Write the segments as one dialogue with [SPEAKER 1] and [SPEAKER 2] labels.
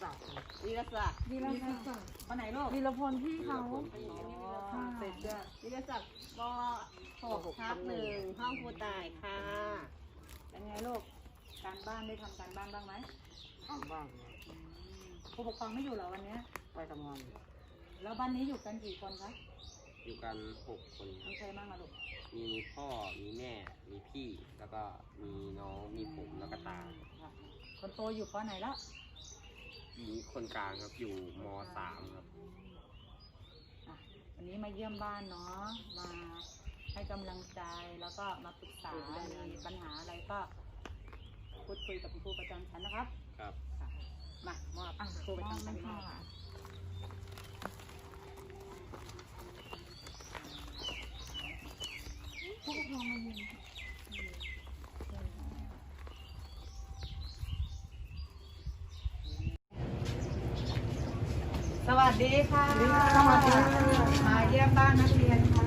[SPEAKER 1] ศักดิ์
[SPEAKER 2] วีรศักดิ์
[SPEAKER 3] วีรศักดิ์
[SPEAKER 2] วันไหนลูก
[SPEAKER 3] วีรพลพี่เขา
[SPEAKER 2] เสร็จจ้ะวีรศักดิ์ป .6/1 ห้องครูต่ายค่ะเป็นไงลูกการบ้านได้ทำการบ้านบ้างไหม
[SPEAKER 1] ทำบ้าง
[SPEAKER 2] ผู้ปกครองไม่อยู่เหรอวันนี้
[SPEAKER 1] ไปทำงาน
[SPEAKER 2] แล้วบ้านนี้อยู่กันกี่คนคะ
[SPEAKER 4] อยู่กัน6 คนครั
[SPEAKER 2] มี
[SPEAKER 4] บ
[SPEAKER 2] ใครบ้างอะลูก
[SPEAKER 4] มีพ่อ มีแม่ มีพี่ แล้วก็มีน้อง มีผม แล้วก็ตา
[SPEAKER 2] คนโตอยู่ปไหนแล้ว
[SPEAKER 4] มีคนกลางครับ อยู่ม.3 ครับ
[SPEAKER 2] วันนี้มาเยี่ยมบ้านเนาะมาให้กำลังใจแล้วก็มาปรึกษามีปัญหาอะไรก็พูดคุยกับคุณครูประจำชั้นนะครับ
[SPEAKER 4] ครับ
[SPEAKER 2] มามอบครูประจำชั้นค่ะ
[SPEAKER 3] ผู้ปกครองมาเยี่ยม
[SPEAKER 2] สวัสดีค่ะสวัสดีมาเยี่ยมบ้านนักเรียนค่ะ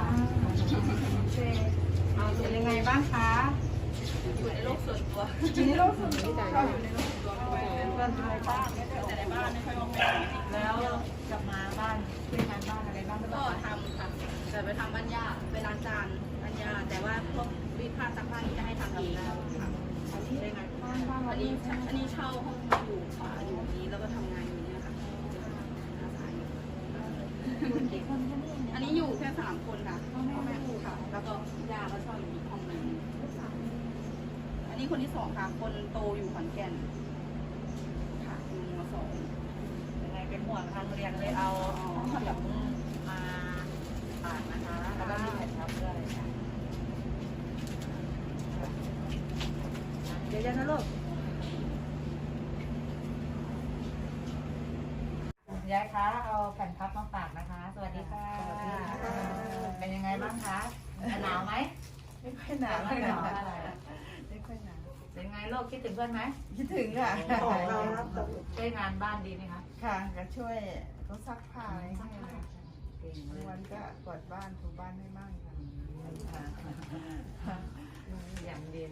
[SPEAKER 2] เป็นยังไงบ้างคะอยู่ในโลกส่วนตัวอยู่ในโลกส่วนตัวอยู่ในโลกส่วนตัวเพื่อนในบ้านไม่ได้ออกแต่ในบ้านไม่ค่อยออกแล้วกลับมาบ้านเป็นงานบ้านอะไรบ้างก็ทำค่ะแต่ไปทำบ้านย่าไปล้างจานบ้านย่าแต่ว่าพวกรีดผ้าซักผ้านี่จะให้ทำเองค่ะอันนี้ได้ไงอันนี้เช่าห้องอยู่ค่ะอยู่นี้แล้วก็ทำงานอยู่เนี่ยค่ะอันนี้อยู่แค่3 คนค่ะพ่อแม่ค่ะแล้วก็ย่าก็เช่าอยู่อีกห้องนึงอันนี้คนที่2ค่ะคนโตอยู่ขอนแก่นค่ะอยู่ม.2ยังไงเป็นห่วงทางเรียนเลยเอาขนมมาฝากนะคะแล้วก็มีแผ่นทับด้วยค่ะเดี๋ยวๆนะลูกยายคะเอาแผ่นพับมาฝากนะคะ สวัสดีค่ะเป็นยังไงบ้างคะหนาวไหม
[SPEAKER 5] ไม่ค่อยหนาว
[SPEAKER 2] ไม่หนาวอะไร
[SPEAKER 5] ไม่ค่อยหนาว
[SPEAKER 2] เป็นไงลูกคิดถึงเพื่อนไหม
[SPEAKER 5] คิดถึงค่ะ
[SPEAKER 2] ช่วยงานบ้านดีไหมคะ
[SPEAKER 5] ค่ะก็ช่วยเขาซักผ้าอะไรให้ค่ะ
[SPEAKER 2] เก่งเล
[SPEAKER 5] บางวัน
[SPEAKER 2] ย
[SPEAKER 5] ก็กวาดบ้านถูบ้านให้มั่งค่ะ
[SPEAKER 2] อย่างเดียว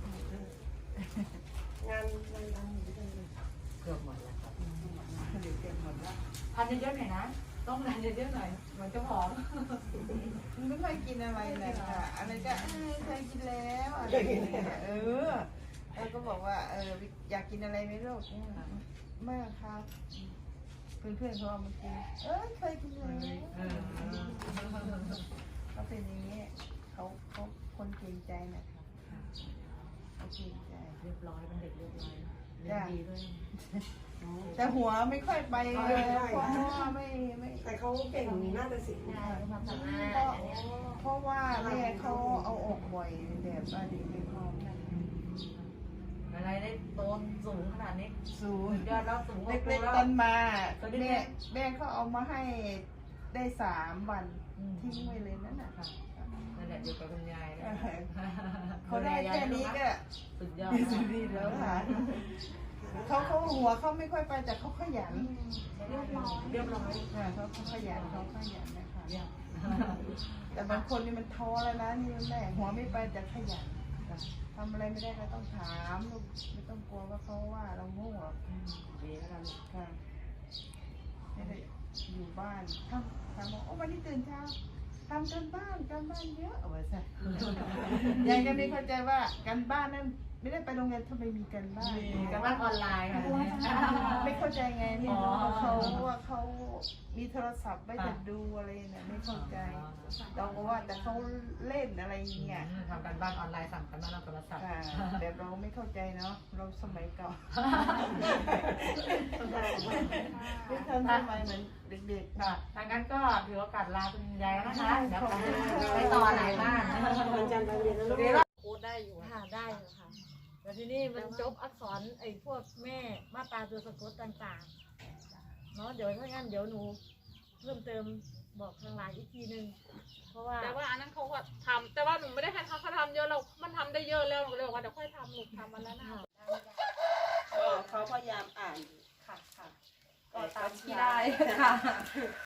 [SPEAKER 1] งาน
[SPEAKER 2] เกือบหมดแล้วครับ
[SPEAKER 5] เดี๋ยวเก็บหมดแล้ว
[SPEAKER 2] ทานเยอะๆหน่อยนะต้องทานเยอะๆหน่อยเหมือนเจ้าของ
[SPEAKER 5] มันไม่ค่อยกินอะไรเลยค่ะอะไรก็เคยกินแล้วอะไรอย่างเงี้ยแล้วก็บอกว่าอยากกินอะไรไหมลูกไม่ครับเพื่อนๆเขาเอามากินเคยกินแล้วเขาเป็นอย่างนี้เขาคนเกรงใจนะคะเขาเกรงใจ
[SPEAKER 2] เรียบร้อยเป็นเด็กเรียบร้อยเรียนดีด้วย
[SPEAKER 5] แต่หัวไม่ค่อยไปเพราะว่าไม่
[SPEAKER 1] แต่เขาเก่งน่าจะสิง
[SPEAKER 5] เพราะว่าแม่เขาเอาออกบ่อยแบบว่าเด็กไม่พร้อมนั่น
[SPEAKER 2] อะไรได้โตนสูงขนาดนี้
[SPEAKER 5] สูง
[SPEAKER 2] ยอดแล้วสูงกว่าครู
[SPEAKER 5] เล็ก
[SPEAKER 2] แล้ว
[SPEAKER 5] ๆต้นมาแม่เขาเอามาให้ได้3 วันทิ้งไว้เลยนั่นน่ะ
[SPEAKER 2] นั่นแหละอยู่กับคุณยายนะ
[SPEAKER 5] เขาได้แค่นี้ก็
[SPEAKER 2] สุดยอด
[SPEAKER 5] สุดดีแล้วค่ะเขาหัวเขาไม่ค่อยไปแต่เขาขยัน
[SPEAKER 2] เรียบร้อย
[SPEAKER 5] ค่ะเขาขยันนะคะแต่บางคนนี่มันท้อแล้วนะนี่แม่หัวไม่ไปแต่ขยันทำอะไรไม่ได้ก็ต้องถามลูกไม่ต้องกลัวว่าเขาว่าเราโง่ดีแล้วกันค่ะไม่ได้อยู่บ้านทำบอกวันนี้ตื่นเช้าทำกันบ้านเยอะเอาไว้ซะยายก็ไม่เข้าใจว่าการบ้านนั้นไม่ได้ไปโรงเรียนทำไมมีกันบ้าน
[SPEAKER 2] การบ้านออนไลน์ค่ะ
[SPEAKER 5] ไม่เข้าใจไงนี่เขาว่าเขามีโทรศัพท์ไม่จะดูอะไรเนี่ยไม่เข้าใจเราก็ว่าแต่เขาเล่นอะไรอย่างเงี้ย
[SPEAKER 2] ทำการบ้านออนไลน์สั่งกันบ้านเราโทรศัพท์
[SPEAKER 5] แต่เราไม่เข้าใจเนาะเราสมัยเก่าไม่ทันสมัยเหมือนเด็กๆ
[SPEAKER 2] ค่ะทางนั้นก็ถือโอกาสลาคุณยายนะคะเดี๋ยวไปต่อไหนบ้าง
[SPEAKER 1] วันจันทร์ไปเรียนแล้วลูก
[SPEAKER 3] โค้ดได้อยู่ค่ะได้อยู่ค่ะแต่ทีนี้มันจบอักษรไอ้พวกแม่มาตราตัวสะกดต่างๆเนาะเดี๋ยวถ้างั้นเดี๋ยวหนูเพิ่มเติมบอกทางไลน์อีกทีนึงเพราะว่า
[SPEAKER 6] แต่ว่าอันนั้นเขาก็ทำแต่ว่าหนูไม่ได้ให้เขาทำเยอะเรา มันทำได้เยอะแล้วหนูก็เลยบอกว่าเดี๋ยวค่อยทำหนูทำมันแล้วนะ
[SPEAKER 5] เขาพยายามอ่าน
[SPEAKER 2] ค่ะก็ตามที่ได้ค่ะ